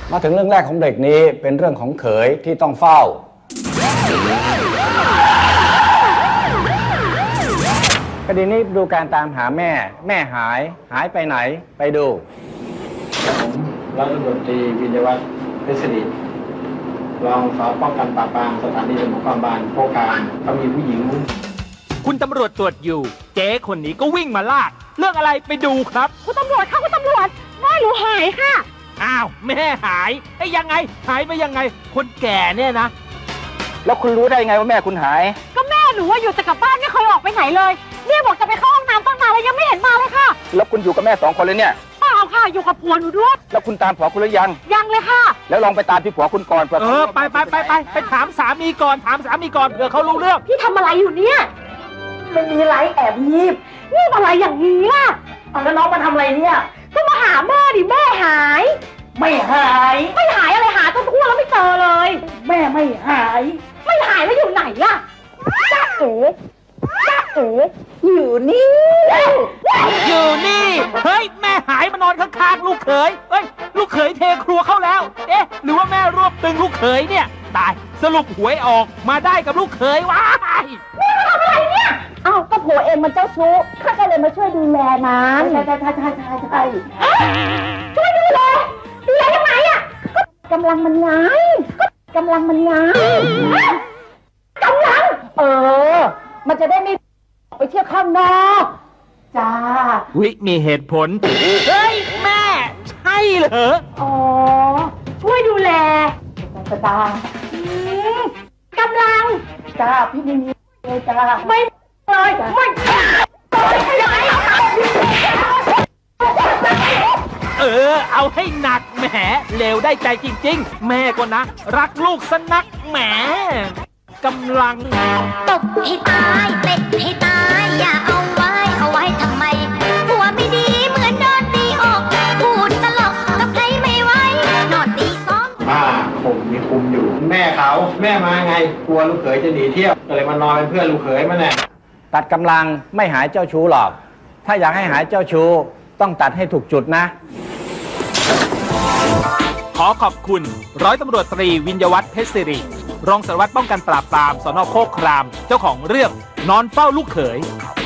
มาถึงเรื่องแรกของเบรกนี้เป็นเรื่องของเขยที่ต้องเฝ้าคดีนี้ดูการตามหาแม่หายไปไหนไปดูผมร้อยตำรวจตรีวิญญวัฒน์เพชรศิริรองสารป้องกันปราบปรามสถานีตำรวจนครบาลโคกามก็มีผู้หญิงคุณตำรวจตรวจอยู่เจ๊คนนี้ก็วิ่งมาลากเรื่องอะไรไปดูครับคุณตำรวจค่ะคุณตำรวจแม่หนูหายค่ะอ้าวแม่หายไอ้ยังไงหายไปยังไงคนแก่เนี่ยนะแล้วคุณรู้ได้ไงว่าแม่คุณหายก็แม่หนูว่าอยู่แต่กับบ้านไม่เคยออกไปไหนเลยเนี่ยบอกจะไปเข้าห้องน้ำตั้งนานแล้วยังไม่เห็นมาเลยค่ะแล้วคุณอยู่กับแม่2 คนเลยเนี่ยเปล่าค่ะอยู่กับผัวหนูด้วยแล้วคุณตามผัวคุณหรือยังเลยค่ะแล้วลองไปตามที่ผัวคุณก่อนไปถามสามีก่อนเผื่อเขารู้เรื่องพี่ทำอะไรอยู่เนี่ยไม่มีไรแอบงีบอะไรอย่างนี้ล่ะแล้วน้องมาทำอะไรเนี่ยก็มาหาแม่ดิแม่หายไม่หายอะไรหาจนทั่วแล้วไม่เจอเลยแม่ไม่หายแล้วอยู่ไหนล่ะจ้าเอ๋อยู่นี่เฮ้ยแม่หายมานอนข้างๆลูกเขยเอ้ยลูกเขยเทครัวเข้าแล้วเอ๊ะหรือว่าแม่รวบตึงลูกเขยเนี่ยตายสรุปหวยออกมาได้กับลูกเขยว้ายแม่ทำอะไรเนี่ยอ้าวก็ผัวเองมันเจ้าชู้ข้าก็เลยมาช่วยดูแลมันใช่ช่วยดูแลยังไงอ่ะก็กำลังมันไงมันจะได้ไม่ไปเที่ยวข้างนอกจ้าวิมีเหตุผลเฮ้ยแม่ใช่เหรออ๋อช่วยดูแลจ้ากำลังจ้าพี่ไม่มีเลยจ้าไม่เลยเอาให้หนักแหมเลวได้ใจจริงๆแม่ก็นะรักลูกสนักแหมกำลังตบให้ตายเตะให้ตายอย่าเอาไว้ทำไมหัวไม่ดีเหมือนโดนตีออกพูดตลกกับใครไม่ไหวนอนตีซ้อมป้าผมมีคุมอยู่แม่มาไงกลัวลูกเขยจะหนีเที่ยวก็เลยมานอนเป็นเพื่อนลูกเขยมันแน่ตัดกำลังไม่หายเจ้าชู้หรอกถ้าอยากให้หายเจ้าชู้ต้องตัดให้ถูกจุดนะขอขอบคุณร้อยตำรวจตรีวิญญวัฒน์เพชรศิริรองสารวัตรป้องกันปราบปรามสน.โคกครามเจ้าของเรื่องนอนเฝ้าลูกเขย